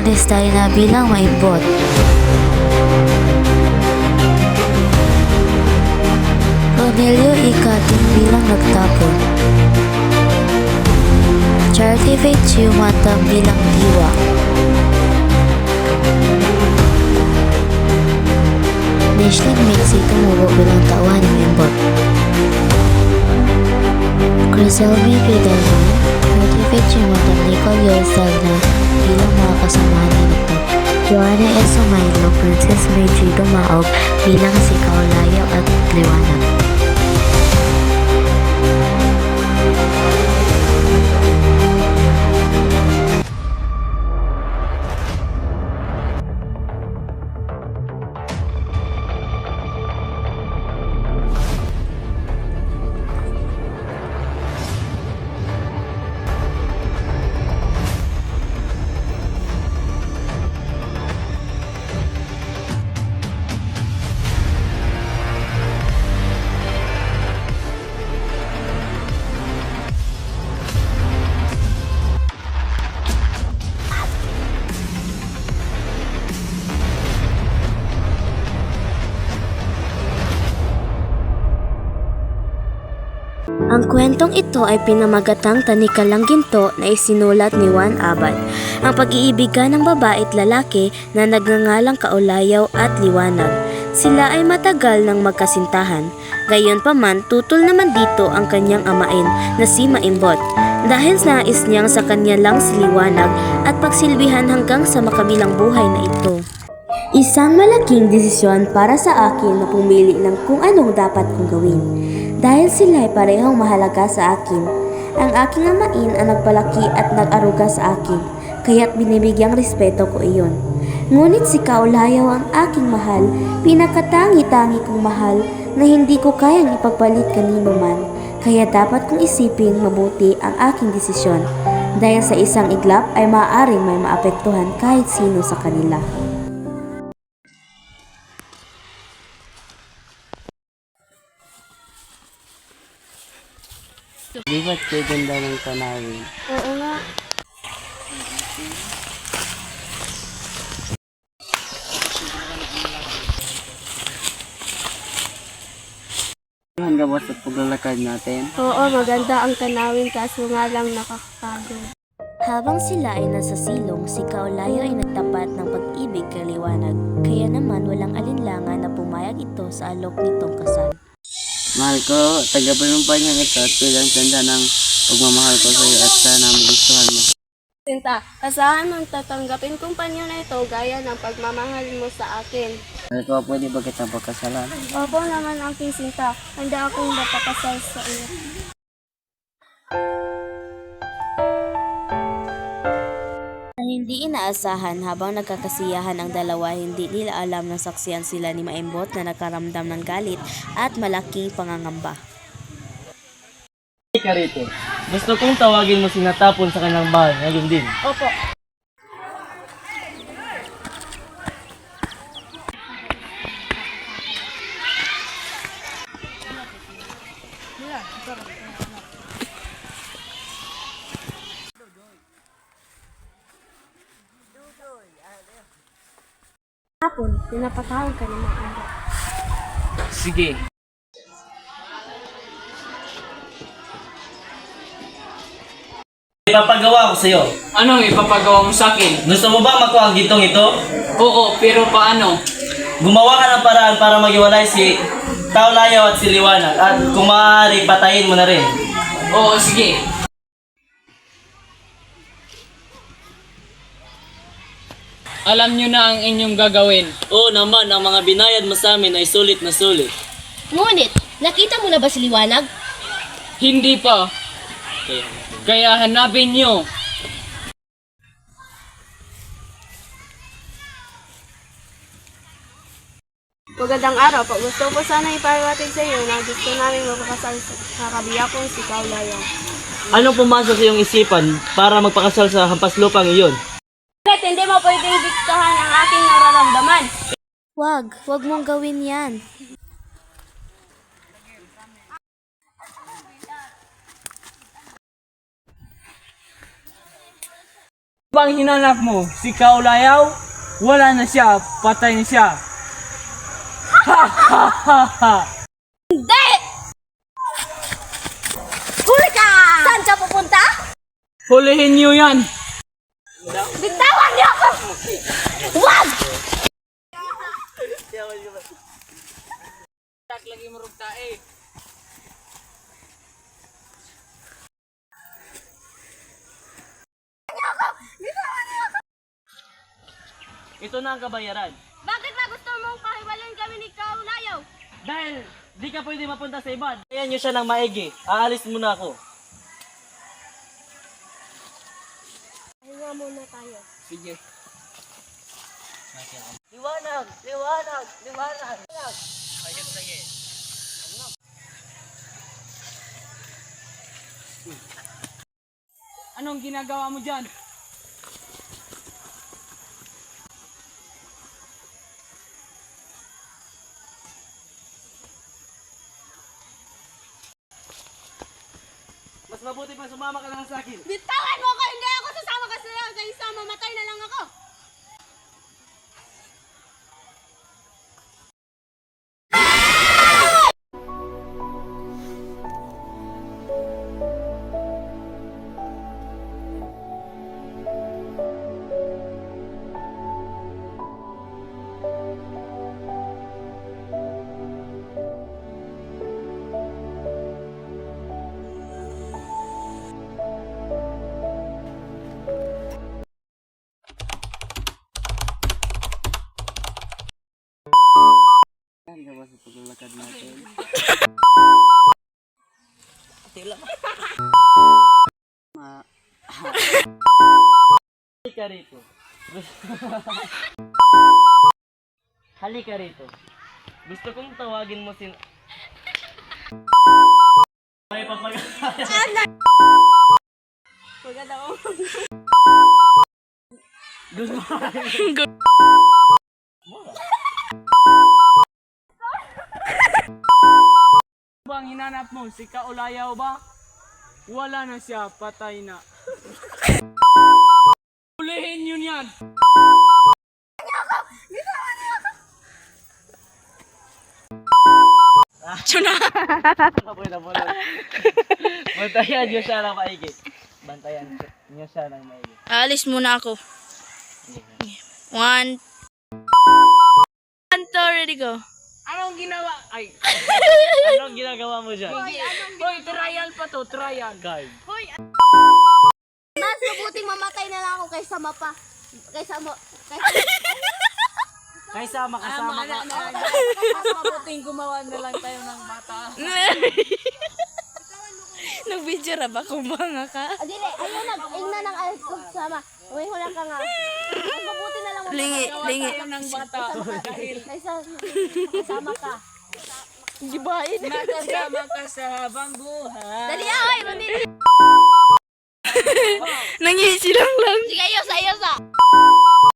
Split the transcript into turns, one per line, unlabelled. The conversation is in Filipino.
Clandestine bilang maimbot. Cornelio Icating bilang nagtapon. Charity Faith Chiumatang bilang diwa. Nishlin Mixi tumubo bilang tauhan ng maimbot. Criselmi Fidelman, Charity Faith Chiumatang Nicole Yosal na bilang mga kasamahan ni Nagtap. Joanna S. Sumailo, Princess Meiji Dumaog bilang si Kaulayaw at Liwanag. Ang kwentong ito ay pinamagatang Tanikalang Ginto na isinulat ni Juan Abad. Ang pag-iibigan ng babae at lalaki na nagngangalang Kaulayaw at Liwanag. Sila ay matagal nang magkasintahan. Gayunpaman, tutol naman dito ang kanyang amain na si Maimbot. Dahil nais niyang sa kanya lang si Liwanag at pagsilbihan hanggang sa makabilang buhay na ito. Isang malaking desisyon para sa akin na pumili ng kung anong dapat kong gawin. Dahil sila ay parehong mahalaga sa akin. Ang aking amain ang nagpalaki at nag-aruga sa akin, kaya't binibigyang respeto ko iyon. Ngunit si Kaulayaw ang aking mahal, pinakatangi-tangi kong mahal na hindi ko kayang ipagpalit kanino man. Kaya dapat kong isipin mabuti ang aking desisyon. Dahil sa isang iglap ay maaaring may maapektuhan kahit sino sa kanila.
Di ba't ganda ng tanawin?
Oo nga.
Hanggang sa paglalakad natin.
Oo, maganda ang tanawin kaso nga lang nakakapagod.
Habang sila ay nasa silong, si Kaulayaw ay nagtapat ng pag-ibig kay Liwanag. Kaya naman walang alinlangan na pumayag ito sa alok nitong kasal.
Mahal ko, tagapanumpay niya ito at bilang tanda ng pagmamahal ko sa iyo at sana magustuhan mo.
Sinta, asahan mong tatanggapin kong panyo na ito gaya ng pagmamahal mo sa akin.
Mahal ko, pwede ba kitang pagkasalan?
Opo naman aking Sinta, handa akong mapakasal sa iyo.
Na hindi inaasahan habang nagkakasiyahan ang dalawa, hindi nila alam na saksiyan sila ni Maimbot na nagkaramdam ng galit at malaking pangangamba.
Ka rito. Gusto kong tawagin mo si Natapon sa kanyang bahay ngayon din.
Opo. Hapon, pinapatawag ka ni Maimbot.
Sige.
Ipapagawa ko sa'yo.
Anong ipapagawa mo sa akin?
Gusto mo ba makuha ang gitong ito?
Oo, pero paano?
Gumawa ka ng paraan para maghiwalay si Kaulayaw at si Liwanag at kung maaari patayin mo na rin.
Oo, sige. Alam nyo na ang inyong gagawin.
Oo naman, ang mga binayad mo sa amin ay sulit na sulit.
Ngunit, nakita mo na ba si Liwanag?
Hindi pa. Kaya hanapin nyo.
Magandang araw po. Gusto ko sana iparating sa iyo na gusto namin magpakasal sa kabiyakong si Kaulayaw.
Anong pumasok sa iyong isipan para magpakasal sa hampas lupang iyon?
Bakit hindi mo pwedeng diktahan ang aking nararamdaman?
Wag mong gawin yan.
Bang hinanap mo, si Kaulayaw? Wala na siya, patay na siya. Ha ha ha ha!
Huli ka! Saan siya pupunta?
Hulihin niyo yan!
Bitawan niyo ako! Wag!
Lagi mo rugta eh.
Ito na ang kabayaran.
Bakit ba gusto mong pahiwalayin kami ni Kaulayaw?
Dahil di ka pwede mapunta sa iba. Ayan nyo siya ng maigi. Aalis muna ako.
Pahinga muna tayo.
Sige.
Liwanag! Liwanag! Liwanag!
Ayun, sige. Anong ginagawa mo dyan?
Mas mabuti pa sumama ka lang sa akin.
Bitawan mo ko! Hindi ako sasama ka sa'yo! Kaysa mamatay na lang ako!
Yan ka ba sa paglalakad natin?
Halika rito. Halika rito. Gusto kong tawagin mo May papagaya.
Pagod ako.
Gusto
Bang hinanap mo, si Kaulayaw ba? Wala na siya, patay na. Hulihin yun yan!
Kapoy na bulol. Bantayan nyo siya ng maigi. Bantayan nyo siya ng maigi.
Alis muna ako. 1, 2, ready go.
Anong ginawa? Ay,
Anong ginagawa mo dyan?
hoy, trial pa to, trial.
Guard.
Mas mabuting mamatay na lang ako kaysa
Kaysa makasama ka.
Mas mabuting gumawa na lang tayo ng bata.
Nag-video ra ba kung banga ka?
Dili, ayun na, ingna ng alas ko sama. Uwi ko lang ka nga. Mas mabuti na lang
Lingi, lingi.
Tayo ng bata. Dahil
kaysa makasama ka.
Gibain.
makasama ka sa habang buhay.
Dali, ay, mandili.
Nangisi lang lang.
Sige, ayos, ayos.